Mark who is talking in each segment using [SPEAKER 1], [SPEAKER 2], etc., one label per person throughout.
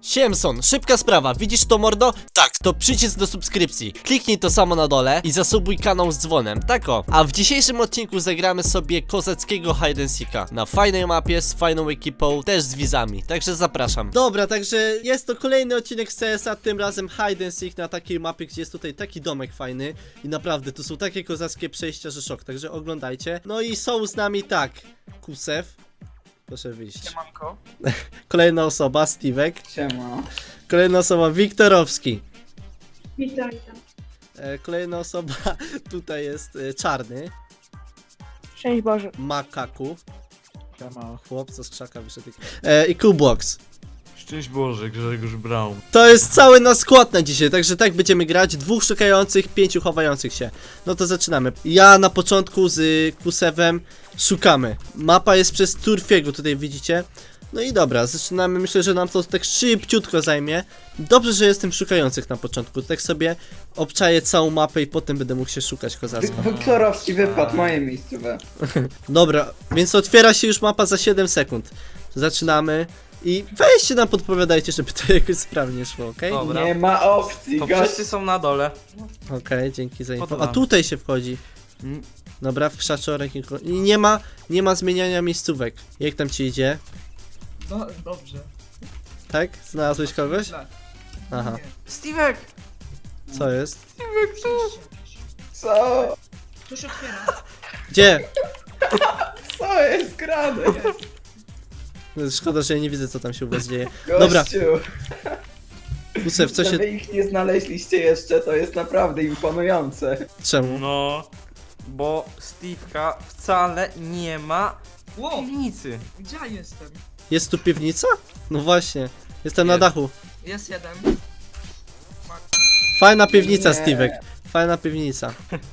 [SPEAKER 1] Siemson, szybka sprawa, widzisz to mordo? Tak, to przycisk do subskrypcji. Kliknij to samo na dole i zasubuj kanał z dzwonem, tak o. A w dzisiejszym odcinku zagramy sobie kozackiego hide and seeka na fajnej mapie, z fajną ekipą, też z wizami, także zapraszam. Dobra, także jest to kolejny odcinek z CS-a, tym razem hide and seek na takiej mapie, gdzie jest tutaj taki domek fajny. I naprawdę, tu są takie kozackie przejścia, że szok, także oglądajcie. No i są z nami tak, Kusew. Proszę wyjść.
[SPEAKER 2] Siemanko.
[SPEAKER 1] Kolejna osoba, Stevek.
[SPEAKER 2] Siema.
[SPEAKER 1] Kolejna osoba, Wiktorowski.
[SPEAKER 3] Witam, witam.
[SPEAKER 1] Kolejna osoba, tutaj jest Czarny.
[SPEAKER 3] Szczęść Boże.
[SPEAKER 1] Makaku.
[SPEAKER 2] Siema.
[SPEAKER 1] Chłopca z krzaka wyszedł. I Kublox.
[SPEAKER 4] Szczęść Boże, Grzegorz Braun.
[SPEAKER 1] To jest cały nasz skład na dzisiaj, także tak będziemy grać. 2 szukających, 5 chowających się. No to zaczynamy. Ja na początku z Kusewem szukamy. Mapa jest przez Turfiego, tutaj widzicie. No i dobra, zaczynamy. Myślę, że nam to tak szybciutko zajmie. Dobrze, że jestem szukających na początku. Tak sobie obczaję całą mapę i potem będę mógł się szukać kozacko.
[SPEAKER 2] Wiktorowski wypadł, moje miejscowe.
[SPEAKER 1] Dobra, więc otwiera się już mapa za 7 sekund. Zaczynamy. I weźcie nam podpowiadajcie, żeby to jakoś sprawnie szło, okej?
[SPEAKER 4] Dobra.
[SPEAKER 2] Nie ma opcji,
[SPEAKER 4] To
[SPEAKER 2] gość.
[SPEAKER 4] wszyscy są na dole.
[SPEAKER 1] Okej, dzięki za info. A
[SPEAKER 4] Podoba.
[SPEAKER 1] tutaj się wchodzi.
[SPEAKER 4] Mm.
[SPEAKER 1] Dobra, w krzaczorek i nie ma zmieniania miejscówek. Jak tam ci idzie?
[SPEAKER 5] No, dobrze.
[SPEAKER 1] Tak? Znalazłeś kogoś?
[SPEAKER 5] Źle.
[SPEAKER 1] Aha.
[SPEAKER 5] Nie.
[SPEAKER 4] Stevek!
[SPEAKER 1] Co jest?
[SPEAKER 2] Co?
[SPEAKER 5] To się otwiera.
[SPEAKER 1] Gdzie?
[SPEAKER 2] Co jest grane?
[SPEAKER 1] Szkoda, że ja nie widzę, co tam się u was dzieje.
[SPEAKER 2] Gościu.
[SPEAKER 1] Dobra, Kusew, co
[SPEAKER 2] Że
[SPEAKER 1] się...
[SPEAKER 2] wy ich nie znaleźliście jeszcze, to jest naprawdę imponujące.
[SPEAKER 1] Czemu?
[SPEAKER 4] No, bo Steve'ka wcale nie ma w
[SPEAKER 5] Ło,
[SPEAKER 4] piwnicy.
[SPEAKER 5] gdzie ja jestem?
[SPEAKER 1] Jest tu piwnica? No właśnie. Jestem na
[SPEAKER 4] Jest.
[SPEAKER 1] dachu.
[SPEAKER 5] Jest jeden.
[SPEAKER 1] Fajna piwnica,
[SPEAKER 2] Nie.
[SPEAKER 1] Stevek. Fajna piwnica.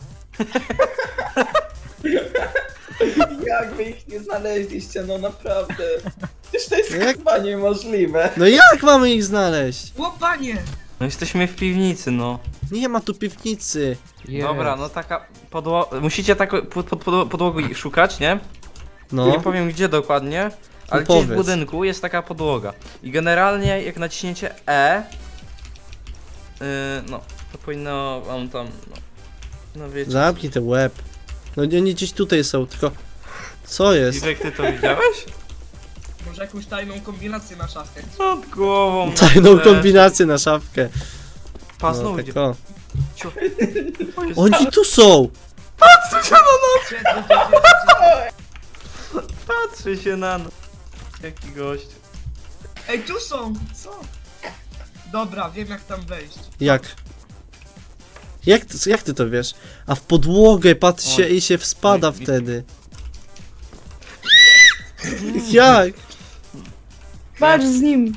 [SPEAKER 2] Jak wy ich nie znaleźliście, no naprawdę. Przecież to jest
[SPEAKER 1] Jak?
[SPEAKER 2] chyba niemożliwe.
[SPEAKER 1] No jak mamy ich znaleźć?
[SPEAKER 5] Ło, panie!
[SPEAKER 4] No jesteśmy w piwnicy, no.
[SPEAKER 1] Nie ma tu piwnicy.
[SPEAKER 4] Dobra, no taka podłoga. Musicie tak podłogi szukać, nie?
[SPEAKER 1] No.
[SPEAKER 4] Nie powiem gdzie dokładnie, ale gdzieś w
[SPEAKER 1] powiedz.
[SPEAKER 4] budynku jest taka podłoga. I generalnie jak naciśniecie E, no, to powinno wam tam, no wiecie.
[SPEAKER 1] Zamknij ten łeb. No nie, nie gdzieś tutaj są, tylko... Co jest?
[SPEAKER 4] Stevek, ty to widziałeś?
[SPEAKER 5] Może jakąś tajną kombinację na szafkę.
[SPEAKER 4] Nad głową.
[SPEAKER 1] Tajną kombinację na szafkę.
[SPEAKER 4] Pas,
[SPEAKER 1] No,
[SPEAKER 4] no,
[SPEAKER 1] tak
[SPEAKER 4] idzie.
[SPEAKER 1] o.
[SPEAKER 4] Ciu.
[SPEAKER 1] Oni tu są!
[SPEAKER 5] Gdzie,
[SPEAKER 4] Patrzy się na nas. Jaki gość.
[SPEAKER 5] Ej, tu są! Co? Dobra, wiem jak tam wejść.
[SPEAKER 1] Jak? Jak ty to wiesz? A w podłogę patrz się
[SPEAKER 4] Oj.
[SPEAKER 1] i się wspada
[SPEAKER 4] Oj,
[SPEAKER 1] wtedy. Jak?
[SPEAKER 3] Patrz z nim.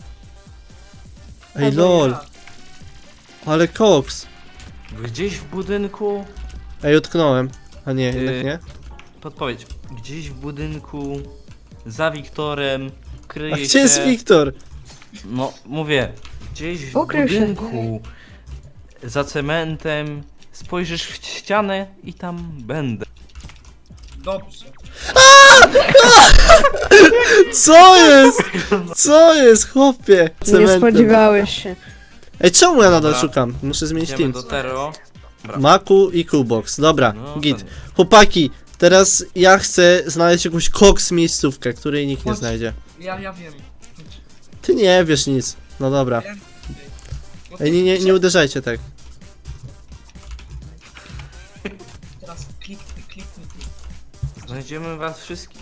[SPEAKER 1] Ej lol, ale koks.
[SPEAKER 4] Gdzieś w budynku.
[SPEAKER 1] Ej, utknąłem. A nie, jednak nie.
[SPEAKER 4] Podpowiedź. Gdzieś w budynku. Za Wiktorem. Kryje
[SPEAKER 1] A gdzie
[SPEAKER 4] się.
[SPEAKER 1] jest Wiktor?
[SPEAKER 4] No, mówię. Gdzieś w
[SPEAKER 3] Ukrył się.
[SPEAKER 4] budynku. Za cementem. Spojrzysz w ścianę i tam będę.
[SPEAKER 5] Dobrze.
[SPEAKER 1] Co jest? Co jest, chłopie?
[SPEAKER 3] Nie
[SPEAKER 1] Cementem.
[SPEAKER 3] spodziewałeś się.
[SPEAKER 1] Ej, czemu ja nadal
[SPEAKER 4] Dobra.
[SPEAKER 1] szukam? Muszę zmienić
[SPEAKER 4] Idziemy
[SPEAKER 1] team.
[SPEAKER 4] do Tero. Dobra.
[SPEAKER 1] Maku i Kubox. Dobra,
[SPEAKER 4] No,
[SPEAKER 1] git.
[SPEAKER 4] ten.
[SPEAKER 1] Chłopaki, teraz ja chcę znaleźć jakąś koks miejscówkę, której nikt nie
[SPEAKER 5] Chodź.
[SPEAKER 1] znajdzie.
[SPEAKER 5] Ja wiem.
[SPEAKER 1] Ty nie wiesz nic. No dobra.
[SPEAKER 5] Wiem. No
[SPEAKER 1] Ej, nie uderzajcie tak.
[SPEAKER 5] Teraz kliknij.
[SPEAKER 4] Znajdziemy was wszystkich.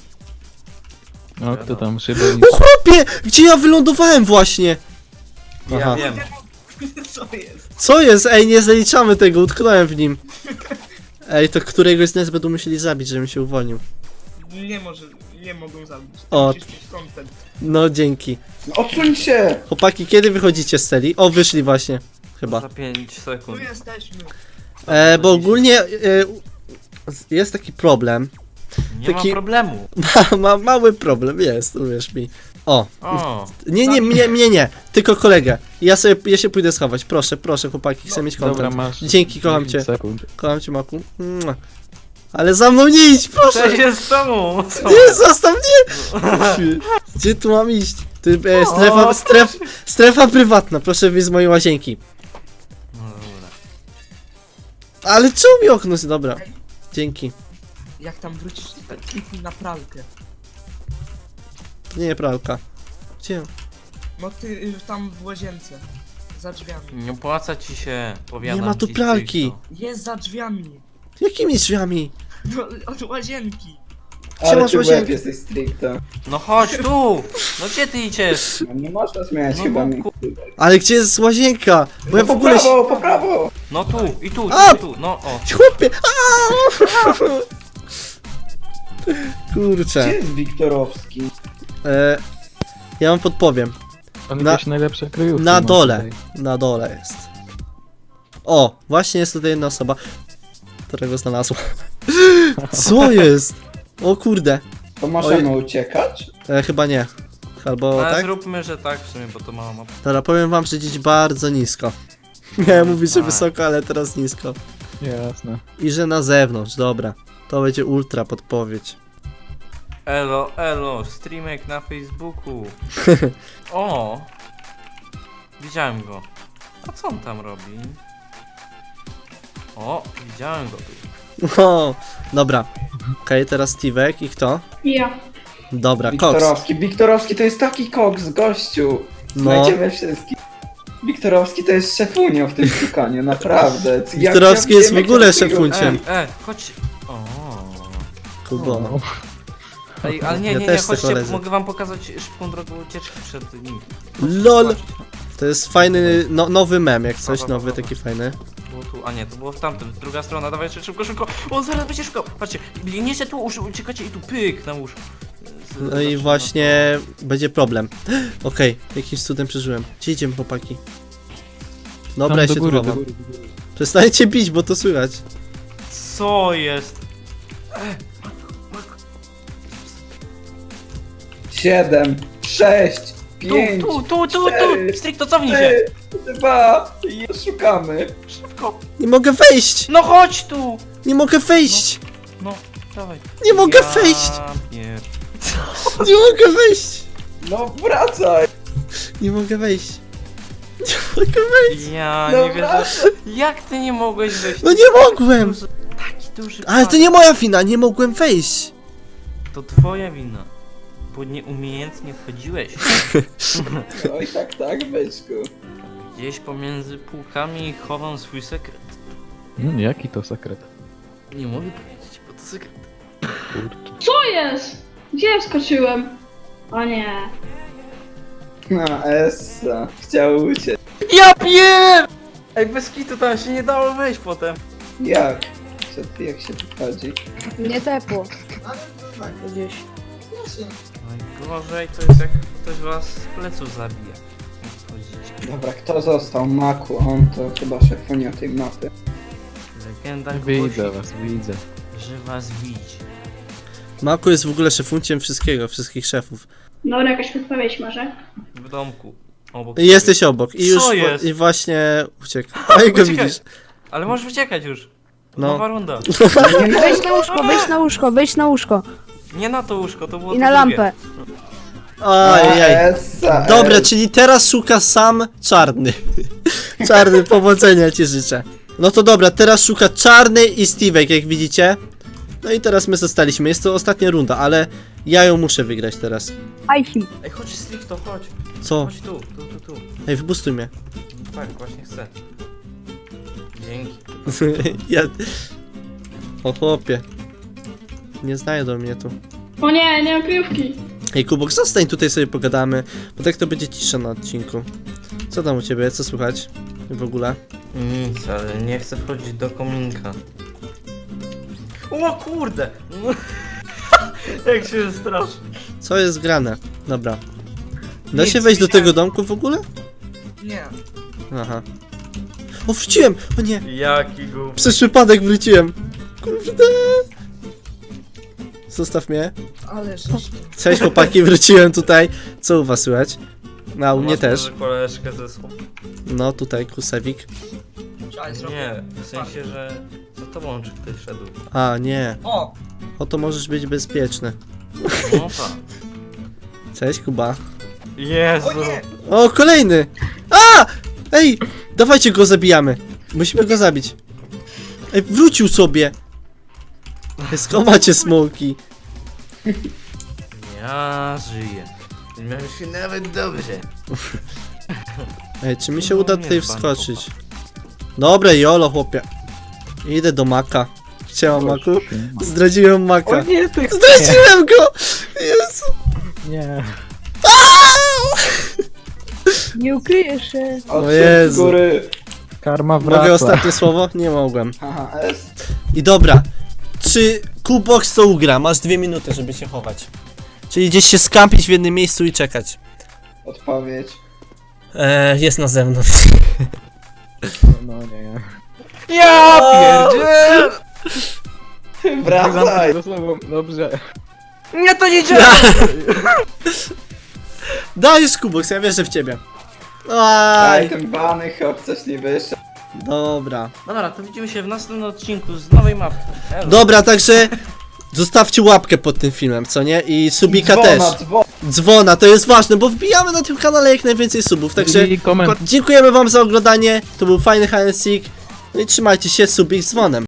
[SPEAKER 6] No kto tam szybę
[SPEAKER 1] O chłopie! Gdzie ja wylądowałem właśnie?
[SPEAKER 4] Ja
[SPEAKER 1] Aha.
[SPEAKER 4] wiem.
[SPEAKER 5] Co jest?
[SPEAKER 1] Co jest? Ej, nie zaliczamy tego, utknąłem w nim. Ej, to któregoś z nas będą musieli zabić, żebym się uwolnił.
[SPEAKER 5] Nie mogą zabić.
[SPEAKER 1] O.
[SPEAKER 5] Musisz mieć content.
[SPEAKER 1] No, dzięki.
[SPEAKER 2] Odsuń się!
[SPEAKER 1] Chłopaki, kiedy wychodzicie z celi? O, wyszli właśnie. Chyba.
[SPEAKER 4] Za 5
[SPEAKER 5] Tu
[SPEAKER 4] sekund.
[SPEAKER 5] jesteśmy.
[SPEAKER 1] Bo ogólnie jest taki problem.
[SPEAKER 4] Nie
[SPEAKER 1] taki-
[SPEAKER 4] ma problemu.
[SPEAKER 1] Mały problem jest, uwierz mi. O.
[SPEAKER 4] O.
[SPEAKER 1] Nie. Tylko kolegę. Ja się pójdę schować. Proszę, chłopaki, chcę mieć
[SPEAKER 6] Dobra,
[SPEAKER 1] kontent.
[SPEAKER 6] masz.
[SPEAKER 1] Dzięki, kocham
[SPEAKER 6] 10
[SPEAKER 1] cię.
[SPEAKER 6] sekund.
[SPEAKER 1] Kocham cię, Maku. Mua. Ale za mną nie idź, proszę!
[SPEAKER 4] Co się z tobą? Co?
[SPEAKER 1] Nie, zostaw mnie! Gdzie tu mam iść? Strefa prywatna, proszę wyjść z mojej łazienki.
[SPEAKER 4] No dobra.
[SPEAKER 1] Ale czemu mi okno jest? Dobra. Dzięki.
[SPEAKER 5] Jak tam wrócisz, to kliknij na pralkę.
[SPEAKER 1] To nie pralka. Gdzie?
[SPEAKER 5] No ty tam w łazience. Za drzwiami.
[SPEAKER 4] Nie opłaca ci się, powiadam
[SPEAKER 1] Nie ma tu
[SPEAKER 4] ci,
[SPEAKER 1] pralki.
[SPEAKER 4] stricto.
[SPEAKER 5] Jest za drzwiami.
[SPEAKER 1] Jakimi drzwiami?
[SPEAKER 5] No, od łazienki.
[SPEAKER 1] Gdzie
[SPEAKER 2] Ale
[SPEAKER 1] masz
[SPEAKER 2] ty łeb
[SPEAKER 1] łazienkę?
[SPEAKER 2] jesteś stricto.
[SPEAKER 4] No chodź tu! No gdzie ty idziesz?
[SPEAKER 2] No nie można zmieniać
[SPEAKER 4] No,
[SPEAKER 2] chyba
[SPEAKER 4] no,
[SPEAKER 2] mi.
[SPEAKER 1] Ale gdzie jest łazienka? Bo ja w
[SPEAKER 2] Po
[SPEAKER 1] ogóle...
[SPEAKER 2] prawo, po prawo!
[SPEAKER 4] No tu, i tu,
[SPEAKER 1] A!
[SPEAKER 4] tu, no o.
[SPEAKER 1] Chłopie! Aaaa! Kurczę.
[SPEAKER 2] Gdzie jest Wiktorowski?
[SPEAKER 1] Ja wam podpowiem.
[SPEAKER 6] On
[SPEAKER 1] Na-
[SPEAKER 6] jakieś najlepsze kryjówki
[SPEAKER 1] Na
[SPEAKER 6] ma
[SPEAKER 1] dole.
[SPEAKER 6] tutaj.
[SPEAKER 1] Na dole jest. O! Właśnie jest tutaj jedna osoba, którego znalazła. Co jest? O kurde.
[SPEAKER 2] To możemy uciekać?
[SPEAKER 1] Chyba nie. Albo
[SPEAKER 4] Ale
[SPEAKER 1] tak?
[SPEAKER 4] zróbmy, że tak w sumie, bo to mała mapa.
[SPEAKER 1] Dobra, powiem wam, że dziś bardzo nisko. Miałem mówić, że
[SPEAKER 4] Tak.
[SPEAKER 1] wysoko, ale teraz nisko.
[SPEAKER 6] Jasne.
[SPEAKER 1] I że na zewnątrz, dobra. To będzie ultra podpowiedź.
[SPEAKER 4] Elo, streamek na Facebooku. O! Widziałem go. A co on tam robi? O, widziałem go tu.
[SPEAKER 1] O, dobra. Okej, teraz Steve'ek i kto?
[SPEAKER 3] Ja.
[SPEAKER 1] Dobra, Cox.
[SPEAKER 2] Wiktorowski. Wiktorowski to jest taki koks, gościu.
[SPEAKER 1] No.
[SPEAKER 2] Znajdziemy wszystkich. Wiktorowski to jest szefunio w tym szukaniu, naprawdę. Jak
[SPEAKER 1] Wiktorowski
[SPEAKER 2] ja
[SPEAKER 1] jest w
[SPEAKER 2] wiem,
[SPEAKER 1] ogóle
[SPEAKER 2] jak ja tego-
[SPEAKER 1] szefunciem.
[SPEAKER 4] Chodź. O.
[SPEAKER 1] Kubo.
[SPEAKER 6] No.
[SPEAKER 4] Ej, ale
[SPEAKER 1] Ja
[SPEAKER 4] nie,
[SPEAKER 1] też tak
[SPEAKER 4] chodźcie,
[SPEAKER 1] koledzy.
[SPEAKER 4] mogę wam pokazać szybką drogę ucieczki przed nim.
[SPEAKER 1] LOL! To jest fajny, nowy mem, jak coś,
[SPEAKER 4] Dobra,
[SPEAKER 1] nowy,
[SPEAKER 4] dobra.
[SPEAKER 1] taki fajny.
[SPEAKER 4] Było tu, a nie, to było w tamtym, druga strona, dawaj jeszcze szybko. On zaraz będzie szukał. Patrzcie, biegniecie tu, uciekacie i tu pyk na łóż.
[SPEAKER 1] No i właśnie będzie problem. Okej, jakimś cudem przeżyłem. Gdzie idziemy, chłopaki? Dobra,
[SPEAKER 6] Tam
[SPEAKER 1] ja
[SPEAKER 6] do
[SPEAKER 1] się
[SPEAKER 6] góry,
[SPEAKER 1] tu
[SPEAKER 6] do
[SPEAKER 1] chowam.
[SPEAKER 6] góry, do góry.
[SPEAKER 1] Przestańcie bić, bo to słychać.
[SPEAKER 4] Co jest?
[SPEAKER 2] 7, 6, 5,
[SPEAKER 4] Tu!
[SPEAKER 2] 4,
[SPEAKER 4] Stricto, cofnij się!
[SPEAKER 2] 3, 2 i szukamy.
[SPEAKER 4] Szybko!
[SPEAKER 1] Nie mogę wejść!
[SPEAKER 4] No chodź tu!
[SPEAKER 1] Nie mogę wejść!
[SPEAKER 4] No, dawaj.
[SPEAKER 1] Nie mogę wejść!
[SPEAKER 4] Pier...
[SPEAKER 1] Nie mogę wejść!
[SPEAKER 2] No wracaj.
[SPEAKER 1] Nie mogę wejść. Nie mogę wejść!
[SPEAKER 4] Ja
[SPEAKER 2] No
[SPEAKER 4] nie wierzę.
[SPEAKER 2] wracaj.
[SPEAKER 4] Jak ty nie mogłeś wejść?
[SPEAKER 1] No nie mogłem!
[SPEAKER 4] Taki duży
[SPEAKER 1] Ale to nie moja wina, nie mogłem wejść!
[SPEAKER 4] To twoja wina. Bo nieumiejętnie wchodziłeś.
[SPEAKER 2] Oj tak, byczku.
[SPEAKER 4] Gdzieś pomiędzy półkami chowam swój sekret.
[SPEAKER 6] Jaki to sekret?
[SPEAKER 4] Nie mogę powiedzieć, bo to sekret.
[SPEAKER 6] Kurczę.
[SPEAKER 3] Co jest? Gdzie wskoczyłem? O nie.
[SPEAKER 2] No, Essa. Chciał uciec.
[SPEAKER 4] Ja pier! Ej, bez kitu tam się nie dało wejść potem.
[SPEAKER 2] Jak? Jak się tu chodzi?
[SPEAKER 3] Nie tepło. Gdzieś.
[SPEAKER 4] Najgorzej to jest jak ktoś was z pleców zabija. Wchodzicie.
[SPEAKER 2] Dobra, kto został? Maku, on to chyba szefunia tej mapy.
[SPEAKER 4] Legenda
[SPEAKER 6] Widzę
[SPEAKER 4] głosi,
[SPEAKER 6] was, widzę.
[SPEAKER 4] że was widzi.
[SPEAKER 1] Maku jest w ogóle szefunciem wszystkiego, wszystkich szefów.
[SPEAKER 3] Dobra, jakaś podpowiedź może?
[SPEAKER 4] W domku. Obok
[SPEAKER 1] I jesteś obok. I już
[SPEAKER 4] Co jest?
[SPEAKER 1] i właśnie uciekł. A jak go
[SPEAKER 4] Uciekaj.
[SPEAKER 1] widzisz?
[SPEAKER 4] Ale możesz uciekać już.
[SPEAKER 1] No.
[SPEAKER 4] Nowa runda.
[SPEAKER 3] Wejdź na łóżko, wejdź na łóżko, wejdź na łóżko.
[SPEAKER 4] Nie na to łóżko, to było
[SPEAKER 3] I
[SPEAKER 4] to
[SPEAKER 3] na
[SPEAKER 4] drugie.
[SPEAKER 3] lampę.
[SPEAKER 1] Ojej.
[SPEAKER 2] Essa,
[SPEAKER 1] Dobra,
[SPEAKER 2] Essa.
[SPEAKER 1] czyli teraz szuka sam czarny. Czarny, powodzenia ci życzę. No to dobra, teraz szuka czarny i Steve'ek, jak widzicie. No i teraz my zostaliśmy. Jest to ostatnia runda, ale ja ją muszę wygrać teraz.
[SPEAKER 3] Ajsi.
[SPEAKER 4] Ej, chodź stricto, chodź.
[SPEAKER 1] Co?
[SPEAKER 4] Chodź tu.
[SPEAKER 1] Ej, wybustuj mnie.
[SPEAKER 4] Tak, właśnie chcę. Dzięki.
[SPEAKER 1] Ja... O chłopie. Nie znajdą mnie tu.
[SPEAKER 3] O nie, nie mam kryjówki.
[SPEAKER 1] Ej, Kubok, zostań tutaj, sobie pogadamy, bo tak to będzie cisza na odcinku. Co tam u ciebie? Co słychać w ogóle?
[SPEAKER 4] Nic, ale nie chcę wchodzić do kominka. O kurde! Jak się straszy.
[SPEAKER 1] Co jest grane? Dobra. Da
[SPEAKER 5] Nic,
[SPEAKER 1] się wejść do
[SPEAKER 5] widziałem.
[SPEAKER 1] tego domku w ogóle?
[SPEAKER 5] Nie.
[SPEAKER 1] Aha. O, wróciłem! O nie!
[SPEAKER 4] Jaki głupi.
[SPEAKER 1] Przez przypadek wróciłem! Kurde! Zostaw mnie.
[SPEAKER 5] Ale żeś...
[SPEAKER 1] Cześć chłopaki, wróciłem tutaj. Co u was słychać? A u mnie też.
[SPEAKER 4] Koleżkę ze sobą.
[SPEAKER 1] No tutaj, Kusewik.
[SPEAKER 5] Czekaj, zrobię.
[SPEAKER 4] Nie, w sensie, że za tobą czy ktoś szedł.
[SPEAKER 1] A, nie.
[SPEAKER 5] O!
[SPEAKER 1] Oto możesz być bezpieczny.
[SPEAKER 4] No tak.
[SPEAKER 1] Cześć, Kuba.
[SPEAKER 4] Jezu.
[SPEAKER 5] O nie!
[SPEAKER 1] O, kolejny! A! Ej, dawajcie go zabijamy. Musimy go zabić. Ej, wrócił sobie. Schowacie smoki.
[SPEAKER 4] Ja żyję. Miałem się nawet dobrze.
[SPEAKER 1] Ej, czy mi się
[SPEAKER 4] No,
[SPEAKER 1] uda
[SPEAKER 4] nie
[SPEAKER 1] tutaj
[SPEAKER 4] jest pan
[SPEAKER 1] wskoczyć? Dobre, jolo, chłopie. Idę do Maka. Chciałem Maku. Zdradziłem Maka.
[SPEAKER 6] O nie, ty...
[SPEAKER 1] Zdradziłem go! Jezu.
[SPEAKER 6] Nie.
[SPEAKER 7] Nie ukryjesz się.
[SPEAKER 2] Odszedł
[SPEAKER 1] Jezu.
[SPEAKER 2] z góry.
[SPEAKER 6] Karma wraca.
[SPEAKER 1] Mogę ostatnie słowo? Nie mogłem.
[SPEAKER 2] Haha, S.
[SPEAKER 1] I dobra. Czy Kubox to ugra? Masz 2 minuty, żeby się chować. Czyli gdzieś się skampić w jednym miejscu i czekać.
[SPEAKER 2] Odpowiedź.
[SPEAKER 1] Jest na zewnątrz.
[SPEAKER 6] No nie.
[SPEAKER 4] Ja pierdzielę!
[SPEAKER 2] Wracaj!
[SPEAKER 6] Dobrze.
[SPEAKER 4] Nie, to nie działa!
[SPEAKER 1] Dajesz Kubox, ja wierzę w ciebie.
[SPEAKER 2] Aj,
[SPEAKER 1] Aj,
[SPEAKER 2] ten bany hop, coś nie wyszedł.
[SPEAKER 1] dobra.
[SPEAKER 4] Dobra, to widzimy się w następnym odcinku z nowej mapy. Elo.
[SPEAKER 1] Dobra, także zostawcie łapkę pod tym filmem, co nie? I subika też.
[SPEAKER 2] Dzwona.
[SPEAKER 1] Dzwona, to jest ważne, bo wbijamy na tym kanale jak najwięcej subów, także
[SPEAKER 6] I komentarz.
[SPEAKER 1] dziękujemy wam za oglądanie, to był fajny hide and seek. No i trzymajcie się, subik z dzwonem.